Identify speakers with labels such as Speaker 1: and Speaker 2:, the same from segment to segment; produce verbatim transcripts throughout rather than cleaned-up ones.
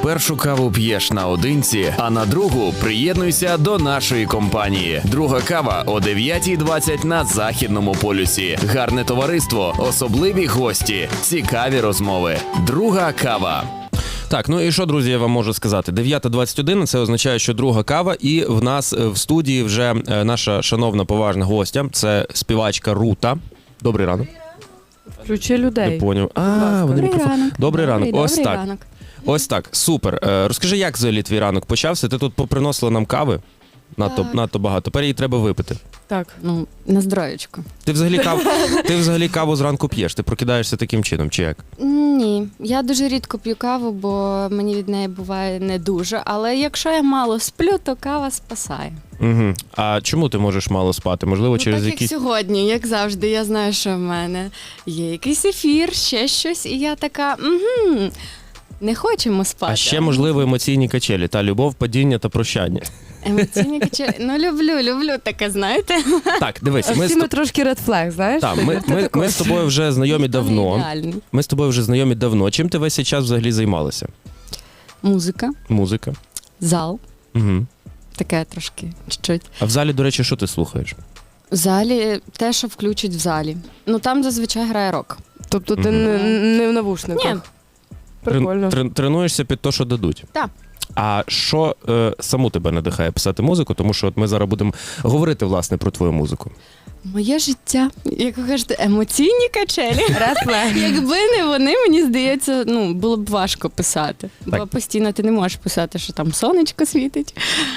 Speaker 1: Першу каву п'єш наодинці, а на другу приєднуйся до нашої компанії. Друга кава о дев'ятій двадцять на Західному полюсі. Гарне товариство, особливі гості, цікаві розмови. Друга кава.
Speaker 2: Так, ну і що, друзі, я вам можу сказати? дев'ята двадцять один, це означає, що друга кава, і в нас в студії вже наша шановна поважна гостя, це співачка Рута. Добрий ранок.
Speaker 3: Включи людей.
Speaker 2: Не поняв. А, вони
Speaker 4: Добрий
Speaker 2: мікрофон.
Speaker 4: ранок.
Speaker 2: Добрий ранок.
Speaker 4: Добрий,
Speaker 2: Ось
Speaker 4: добрий
Speaker 2: так.
Speaker 4: ранок.
Speaker 2: Ось так, супер. Е, Розкажи, як взагалі твій ранок почався? Ти тут поприносила нам кави? Надто,
Speaker 4: Так.
Speaker 2: надто багато. Тепер її треба випити.
Speaker 3: Так.
Speaker 4: Ну, на здоров'ячко.
Speaker 2: Ти взагалі, кав... ти взагалі каву зранку п'єш? Ти прокидаєшся таким чином, чи як?
Speaker 4: Ні, я дуже рідко п'ю каву, бо мені від неї буває не дуже. Але якщо я мало сплю, то кава спасає.
Speaker 2: Угу. А чому ти можеш мало спати? Можливо,
Speaker 4: Ну,
Speaker 2: через
Speaker 4: так
Speaker 2: якісь...
Speaker 4: як сьогодні, як завжди, я знаю, що в мене є якийсь ефір, ще щось, і я така, угу, не хочемо спати.
Speaker 2: А ще, можливо, емоційні качелі, та любов, падіння та прощання.
Speaker 4: Емоційні качелі. Ну, люблю, люблю таке, знаєте.
Speaker 2: Так, дивись, ми,
Speaker 3: Всі
Speaker 2: з...
Speaker 3: ми трошки red flag, знаєш?
Speaker 2: Так, ми, ми, ми з тобою вже знайомі
Speaker 4: Ніхто не
Speaker 2: давно.
Speaker 4: ідеальний.
Speaker 2: Ми з тобою вже знайомі давно. Чим ти весь цей час взагалі займалася?
Speaker 4: Музика,
Speaker 2: Музика.
Speaker 4: зал,
Speaker 2: Угу.
Speaker 4: таке трошки, чуть-чуть.
Speaker 2: А в залі, до речі, що ти слухаєш?
Speaker 4: В залі те, що включать в залі. Ну там зазвичай грає рок.
Speaker 3: Тобто ти
Speaker 2: Мгм.
Speaker 3: не, не в навушниках?
Speaker 4: Ні.
Speaker 3: Прикольно.
Speaker 2: Трен- трен- Тренуєшся під те, що дадуть?
Speaker 4: Так.
Speaker 2: А що е, саму тебе надихає писати музику? Тому що от ми зараз будемо говорити, власне, про твою музику.
Speaker 4: Моє життя, як ви кажете, емоційні качелі.
Speaker 3: Red flag.
Speaker 4: Якби не вони, мені здається, ну було б важко писати. Бо
Speaker 2: Так.
Speaker 4: постійно ти не можеш писати, що там сонечко світить.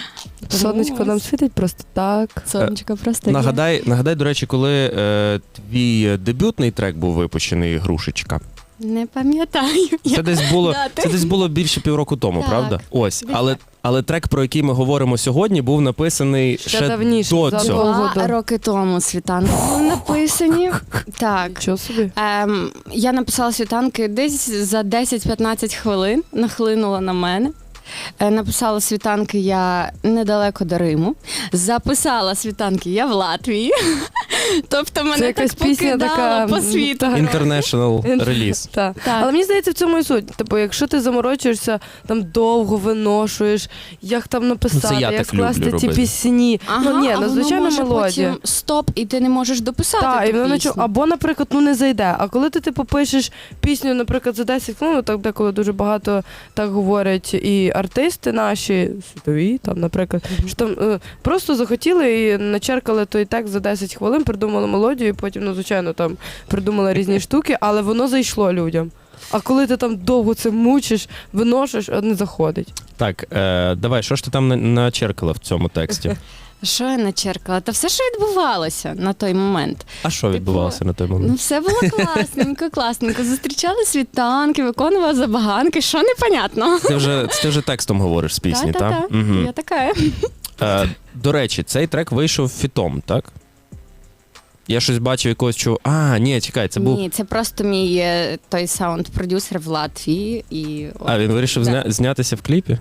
Speaker 3: Сонечко
Speaker 4: Ну,
Speaker 3: нам світить просто так.
Speaker 4: Сонечко просто є.
Speaker 2: Нагадай, нагадай, до речі, коли е, твій дебютний трек був випущений «Грушечка».
Speaker 4: Не пам'ятаю.
Speaker 2: Це
Speaker 4: Я-
Speaker 2: десь було,
Speaker 4: Дати.
Speaker 2: це десь було більше півроку тому,
Speaker 4: Так.
Speaker 2: правда? Ось,
Speaker 4: Десь
Speaker 2: але, але трек, про який ми говоримо сьогодні, був написаний ще,
Speaker 3: Ще давніше,
Speaker 2: до
Speaker 3: за
Speaker 2: цього.
Speaker 3: два.
Speaker 4: Два роки тому світанки були написані. Так.
Speaker 3: Чого собі?
Speaker 4: Ем, я написала світанки десь за десять-п'ятнадцять хвилин, нахлинула на мене. Е, написала світанки я недалеко до Риму. Записала світанки я в Латвії. Тобто мене
Speaker 3: Це якась
Speaker 4: так
Speaker 3: пісня
Speaker 4: покидало
Speaker 3: така,
Speaker 4: по світу.
Speaker 3: так.
Speaker 2: International реліз.
Speaker 3: Так.
Speaker 4: Так.
Speaker 3: Але мені здається, в цьому і суть. Типу, якщо ти заморочуєшся, там довго виношуєш, як там написати,
Speaker 2: Ну, це я
Speaker 3: як
Speaker 2: так люблю
Speaker 3: скласти ці
Speaker 2: робити.
Speaker 3: пісні.
Speaker 4: Ага,
Speaker 3: ну ні,
Speaker 4: а
Speaker 3: ну
Speaker 4: воно
Speaker 3: звичайно
Speaker 4: може
Speaker 3: мелодія.
Speaker 4: потім стоп, і ти не можеш дописати
Speaker 3: Так,
Speaker 4: ту
Speaker 3: і воно
Speaker 4: пісню.
Speaker 3: наче- або, наприклад, ну не зайде. А коли ти типу пишеш пісню, наприклад, за десять хвилин, ну, так деколи дуже багато так говорять і артисти наші, світові, там, наприклад, що там е, просто захотіли і начеркали той текст за десять хвилин, придумали мелодію, і потім, ну, звичайно, там придумали різні штуки, але воно зайшло людям. А коли ти там довго це мучиш, виношиш, а не заходить.
Speaker 2: Так, е, давай, що ж ти там на- начеркала в цьому тексті?
Speaker 4: Що я начеркала? Та все, що відбувалося на той момент.
Speaker 2: А що відбувалося на той момент?
Speaker 4: Ну, все було класненько, класненько. Зустрічали світанки, виконувала забаганки, що непонятно.
Speaker 2: Ти вже, ти вже текстом говориш з пісні, так?
Speaker 4: Та-та-та. Я така.
Speaker 2: Е, до речі, цей трек вийшов фітом, так? Я щось бачив якогось чого. А, ні, чекай, це був.
Speaker 4: Ні, це просто мій е, той саунд-продюсер в Латвії. І...
Speaker 2: А, він вирішив
Speaker 4: Да.
Speaker 2: зня... знятися в кліпі?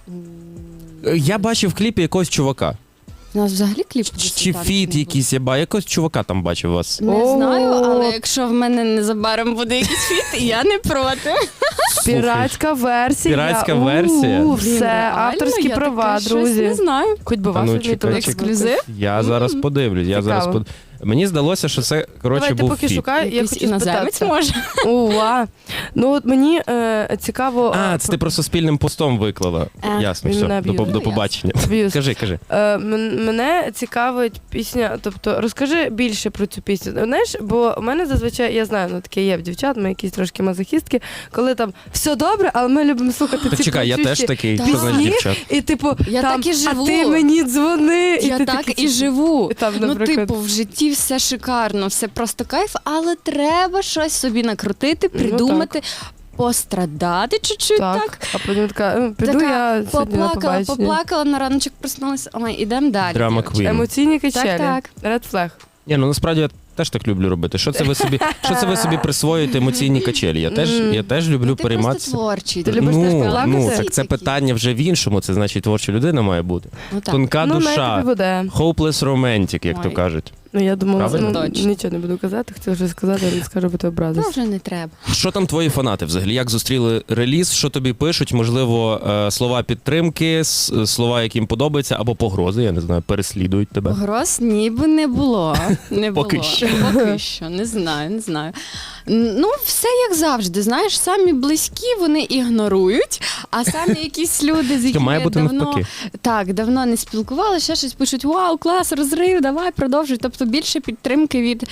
Speaker 2: Е, Я бачив в кліпі якогось чувака.
Speaker 4: У нас взагалі кліп.
Speaker 2: Чи, чи фіт якийсь, я ба, якогось чувака там бачив у вас.
Speaker 4: Не
Speaker 3: О.
Speaker 4: знаю, але якщо в мене незабаром буде якийсь фіт, я не проти.
Speaker 3: Піратська версія.
Speaker 2: Піратська
Speaker 3: У-у-у,
Speaker 2: версія?
Speaker 4: Блін,
Speaker 3: Все,
Speaker 4: реально,
Speaker 3: авторські
Speaker 4: я
Speaker 3: права,
Speaker 4: таке щось
Speaker 3: друзі.
Speaker 4: Не знаю.
Speaker 3: Хоч би
Speaker 2: А
Speaker 3: вас
Speaker 2: ну,
Speaker 3: відмітили.
Speaker 2: чекай,
Speaker 3: як
Speaker 2: чекай.
Speaker 4: Ексклюзив?
Speaker 2: Я зараз подивлюсь, я зараз
Speaker 3: Цікаво.
Speaker 2: под... Мені здалося, що це, коротше,
Speaker 3: Давай, ти
Speaker 2: був
Speaker 3: поки
Speaker 2: фіт.
Speaker 3: шукай, я
Speaker 4: Якийсь
Speaker 3: хочу
Speaker 4: іноземець
Speaker 3: спитатися.
Speaker 4: може.
Speaker 3: Уа. Ну от мені е, цікаво.
Speaker 2: А,
Speaker 3: е,
Speaker 2: це ти просто спільним постом виклала.
Speaker 4: Е,
Speaker 2: Ясно,
Speaker 3: він
Speaker 2: все,
Speaker 3: мене
Speaker 2: до,
Speaker 3: аб'юзив.
Speaker 2: до
Speaker 4: Ну,
Speaker 2: побачення.
Speaker 3: Аб'юз.
Speaker 2: Кажи, кажи.
Speaker 3: Е, м- мене цікавить пісня, тобто розкажи більше про цю пісню. Знаєш, бо у мене зазвичай, я знаю, ну таке є в дівчат, ми якісь трошки мазохістки, коли там все добре, але ми любимо слухати
Speaker 2: Так
Speaker 3: ці
Speaker 2: чекай, я
Speaker 3: кричущі
Speaker 2: теж такий,
Speaker 4: Так.
Speaker 2: що значить
Speaker 3: пісні,
Speaker 2: дівчат.
Speaker 3: і типу,
Speaker 4: Я
Speaker 3: там,
Speaker 4: так і живу.
Speaker 3: а ти мені дзвони.
Speaker 4: Я
Speaker 3: ти
Speaker 4: так
Speaker 3: такий,
Speaker 4: і живу.
Speaker 3: Там,
Speaker 4: Ну,
Speaker 3: наприклад.
Speaker 4: типу, в житті все шикарно, все просто кайф, але треба щось собі накрутити,
Speaker 3: Ну,
Speaker 4: придумати, пострадати чуть-чуть так.
Speaker 3: Так, а потім така, «Е, піду
Speaker 4: Така
Speaker 3: я сьогодні на
Speaker 4: Поплакала,
Speaker 3: побачення.
Speaker 4: поплакала, на раночок проснулася. Ой, ідемо далі.
Speaker 2: Драма
Speaker 4: дівчата.
Speaker 2: квін.
Speaker 3: Емоційні качелі.
Speaker 4: Так,
Speaker 3: Red flag.
Speaker 2: Ні, ну насправді я теж так люблю робити. Що це ви собі, що це ви собі присвоюєте емоційні качелі? Я теж, я теж люблю
Speaker 4: Ну, ти просто
Speaker 2: перейматися.
Speaker 4: творчий.
Speaker 3: Ти любиш теж
Speaker 2: Ну,
Speaker 3: поплакати?
Speaker 2: ну, так це питання вже в іншому, це значить творча людина має бути.
Speaker 4: Ну, так.
Speaker 2: Тонка
Speaker 3: Ну, най тобі
Speaker 2: душа,
Speaker 3: буде.
Speaker 2: hopeless romantic, як то
Speaker 4: Ой.
Speaker 2: кажуть.
Speaker 3: Ну, я думала,
Speaker 2: Правильно?
Speaker 3: ну,
Speaker 4: Точно.
Speaker 3: нічого не буду казати, хотіла вже сказати, але не скажу, бо ти
Speaker 4: Ну,
Speaker 3: образишся.
Speaker 4: вже не треба.
Speaker 2: Що там твої фанати взагалі? Як зустріли реліз? Що тобі пишуть? Можливо, е, слова підтримки, с- слова, які їм подобаються, або погрози, я не знаю, переслідують тебе.
Speaker 4: Погроз ніби не було. Не було.
Speaker 2: Поки що.
Speaker 4: Поки що, не знаю, не знаю. Ну, все як завжди, знаєш, самі близькі вони ігнорують, а самі якісь люди, з якими
Speaker 2: Має бути
Speaker 4: давно,
Speaker 2: навпаки.
Speaker 4: так, давно не спілкувалися, ще щось пишуть: вау, клас, розрив, давай, продовжуй. Тобто більше підтримки від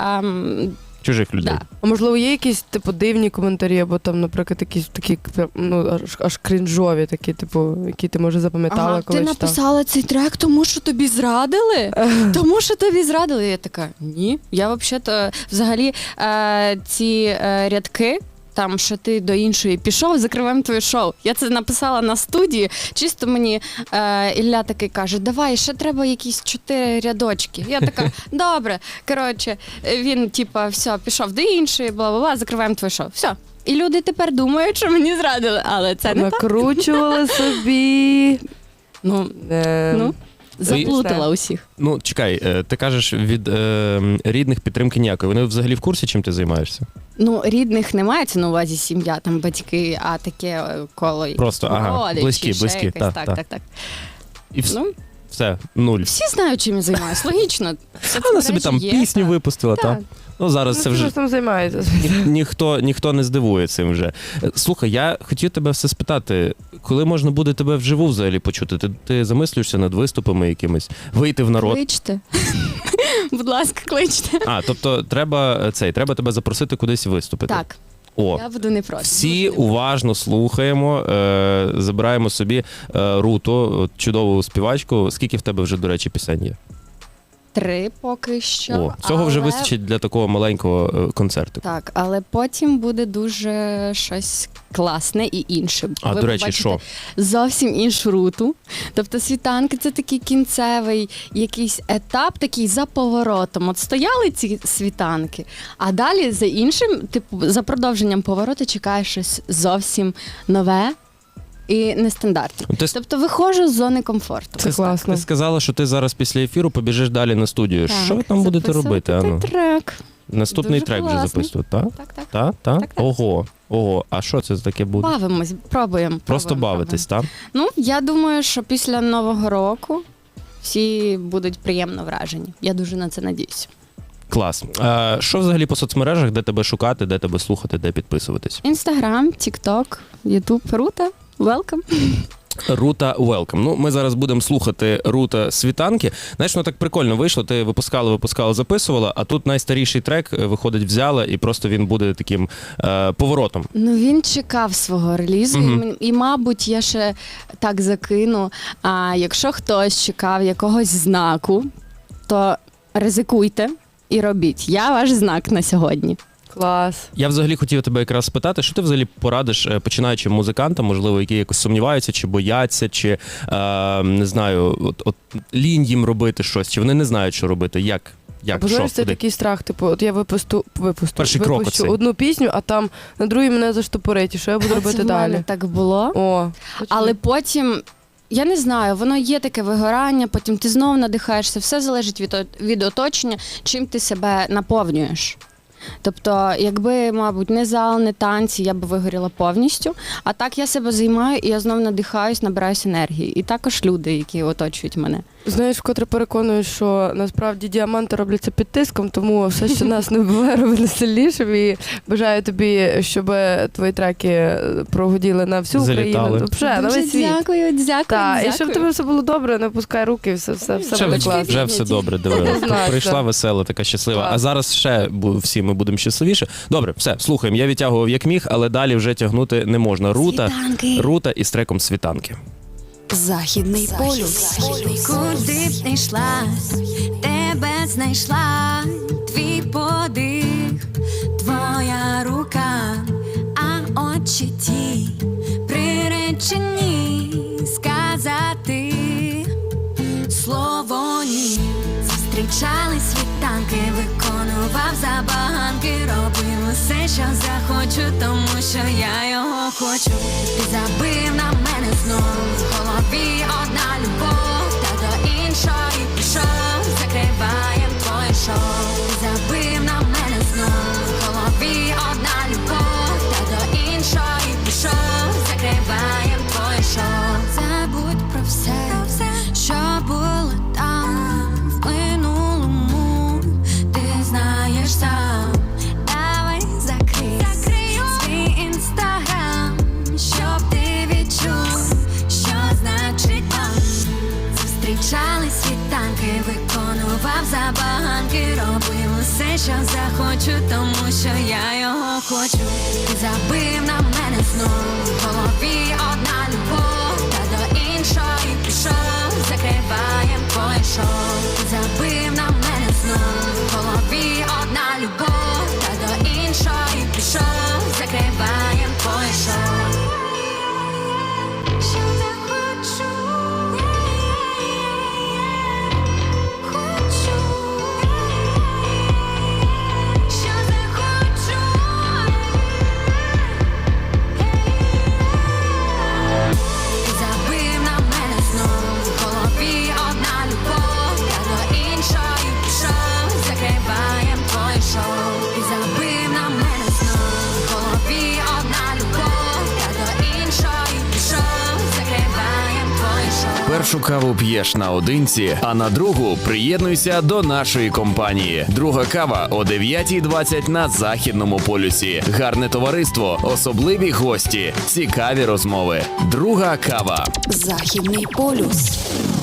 Speaker 4: ем,
Speaker 2: Чужих людей.
Speaker 4: да.
Speaker 3: А можливо, є якісь типу дивні коментарі, або там, наприклад, якісь такі ну аж, аж крінжові, такі, типу, які ти може запам'ятала,
Speaker 4: Ага,
Speaker 3: коли
Speaker 4: ти
Speaker 3: читав?
Speaker 4: написала цей трек, тому що тобі зрадили? Тому що тобі зрадили. Я така, ні. Я взагалі-то взагалі е, ці е, рядки. Там, що ти до іншої пішов, закриваємо твоє шоу. Я це написала на студії. Чисто мені е, Ілля такий каже: давай, ще треба якісь чотири рядочки. Я така, добре. Коротше, він, типа, все, пішов до іншої, бла-бла-бла, закриваємо твоє шоу. Все. І люди тепер думають, що мені зрадили, але це не так.
Speaker 3: Накручували собі.
Speaker 4: Ну,
Speaker 3: Е,
Speaker 4: ну, заплутала усіх.
Speaker 2: Ну, чекай, е, ти кажеш, від е, рідних підтримки ніякої. Вони взагалі в курсі, чим ти займаєшся?
Speaker 4: Ну, рідних не мається на увазі сім'я, там батьки, а таке е, коло
Speaker 2: Просто, ага,
Speaker 4: родичі,
Speaker 2: близькі,
Speaker 4: ще
Speaker 2: близькі,
Speaker 4: якось,
Speaker 2: так,
Speaker 4: так,
Speaker 2: так.
Speaker 4: так, так.
Speaker 2: І вс-
Speaker 4: Ну,
Speaker 2: все, нуль.
Speaker 4: всі знають, чим я займаюся, логічно.
Speaker 2: Вона собі там пісню випустила,
Speaker 4: Так.
Speaker 2: так? Ну, зараз
Speaker 3: ну,
Speaker 2: це
Speaker 3: ти
Speaker 2: вже
Speaker 3: ж там займається.
Speaker 2: ні, ніхто, ніхто не здивує цим вже. Е, Слухай, я хотів тебе все спитати, коли можна буде тебе вживу взагалі почути? Ти, ти замислюєшся над виступами якимись? Вийти в народ?
Speaker 4: Кличте. Будь ласка, кличте.
Speaker 2: А, тобто треба е, цей, треба тебе запросити кудись виступити.
Speaker 4: Так,
Speaker 2: О,
Speaker 4: я буду не проти.
Speaker 2: всі
Speaker 4: дуже не проти.
Speaker 2: уважно слухаємо, е, забираємо собі е, Руту, от чудову співачку. Скільки в тебе вже, до речі, пісень є?
Speaker 4: Три поки що.
Speaker 2: О, цього вже
Speaker 4: але-
Speaker 2: вистачить для такого маленького е, концерту.
Speaker 4: Так, але потім буде дуже щось класне і інше.
Speaker 2: А,
Speaker 4: Ви
Speaker 2: до речі,
Speaker 4: побачите
Speaker 2: що?
Speaker 4: Зовсім іншу руту. Тобто світанки це такий кінцевий якийсь етап, такий за поворотом. От стояли ці світанки, а далі за іншим, типу, за продовженням повороту чекає щось зовсім нове і нестандартне.
Speaker 2: Ти, с-
Speaker 4: Тобто виходжу з зони комфорту.
Speaker 3: Це класно.
Speaker 2: ти сказала, що ти зараз після ефіру побіжиш далі на студію.
Speaker 4: Так,
Speaker 2: Що ви там будете
Speaker 4: записувати
Speaker 2: робити? Ану?
Speaker 4: трек.
Speaker 2: Наступний
Speaker 4: Дуже
Speaker 2: трек вже
Speaker 4: класний.
Speaker 2: записувати, так?
Speaker 4: Так, так.
Speaker 2: Так, так?
Speaker 4: Так, так.
Speaker 2: Ого, ого. А що це таке буде?
Speaker 4: Бавимось, пробуємо.
Speaker 2: Просто
Speaker 4: пробуємо,
Speaker 2: бавитись, так?
Speaker 4: Ну, я думаю, що після Нового року всі будуть приємно вражені. Я дуже на це надіюся.
Speaker 2: Клас. А, що взагалі по соцмережах, де тебе шукати, де тебе слухати, де підписуватись?
Speaker 4: Інстаграм, Тікток, Ютуб, Рута. Welcome.
Speaker 2: Рута Welcome. Ну, ми зараз будемо слухати Рута Світанки. Знаєш, ну так прикольно вийшло. Ти випускала, випускала, записувала, а тут найстаріший трек е, виходить, взяла, і просто він буде таким е, поворотом.
Speaker 4: Ну, він чекав свого релізу,
Speaker 2: Мгм.
Speaker 4: і, м- і, мабуть, я ще так закину. А якщо хтось чекав якогось знаку, то ризикуйте і робіть. Я ваш знак на сьогодні.
Speaker 3: Клас.
Speaker 2: Я взагалі хотів тебе якраз спитати, що ти взагалі порадиш е, починаючим музикантам, можливо, які якось сумніваються, чи бояться, чи е, не знаю, от, от лінь їм робити щось, чи вони не знають, що робити, як, як
Speaker 3: Або
Speaker 2: що,
Speaker 3: знаєш, це
Speaker 2: куди?
Speaker 3: такий страх, типу, от я випусту, випусту,
Speaker 2: Перший крок
Speaker 3: випущу
Speaker 2: оцей.
Speaker 3: одну пісню, а там на другій мене заштопорить, і що я буду
Speaker 4: А
Speaker 3: робити
Speaker 4: це в мене
Speaker 3: далі?
Speaker 4: так було.
Speaker 3: О,
Speaker 4: Але потім, я не знаю, воно є таке вигорання, потім ти знову надихаєшся, все залежить від, о- від оточення, чим ти себе наповнюєш. Тобто, якби, мабуть, не зал, не танці, я б вигоріла повністю. А так я себе займаю, і я знову надихаюсь, набираюсь енергії. І також люди, які оточують мене.
Speaker 3: знаєш, вкотре переконую, що насправді діаманти робляться під тиском, тому все, що нас не вбиває, робить нас сильнішим. І бажаю тобі, щоб твої треки прогуділи на всю
Speaker 2: Залітали.
Speaker 3: Україну. Вже, на
Speaker 4: Дуже
Speaker 3: весь світ.
Speaker 4: дякую, дякую,
Speaker 3: Так, і
Speaker 4: дякую.
Speaker 3: щоб тебе все було добре, не пускай руки, все, все, все
Speaker 2: Вже,
Speaker 3: буде
Speaker 2: вже,
Speaker 3: класно.
Speaker 2: вже все добре, диви.
Speaker 3: Однозначно.
Speaker 2: Прийшла весела, така щаслива.
Speaker 3: Так.
Speaker 2: А зараз ще бу- всі ми будемо щасливіше. Добре, все, слухаємо. Я відтягував як міг, але далі вже тягнути не можна. Рута,
Speaker 4: Світанки.
Speaker 2: Рута із треком Світанки.
Speaker 5: Західний полюс.
Speaker 6: Куди б не йшла, тебе знайшла, твій подих, твоя рука, а очі ті приречені сказати слово ні. Зустрічали світанки, виконував забаганки, робив усе, що захочу, тому що я його хочу. Ти забив на мене знов, в голові одна любов, та до іншої пішов, закриваєм твоє забаганки, робив усе, що захочу, тому що я його хочу. Ти забив на мене знов, в голові одна любов, та до іншої пішов, закриваєм пойшов. Ти забив на мене знов, в голові одна любов, та до іншої пішов, закриваєм пойшов. Що не хочу, хочу, що не хочу. Ти забив на мене знов, в голові одна любов, та до іншої пішов, закриваєм пойшов. Ти забив на мене знов, в голові одна любов, та до іншої пішов, закриваєм пойшов.
Speaker 1: Першу каву п'єш наодинці, а на другу приєднуйся до нашої компанії. Друга кава о дев'ятій двадцять на Західному полюсі. Гарне товариство, особливі гості, цікаві розмови. Друга кава.
Speaker 5: Західний полюс.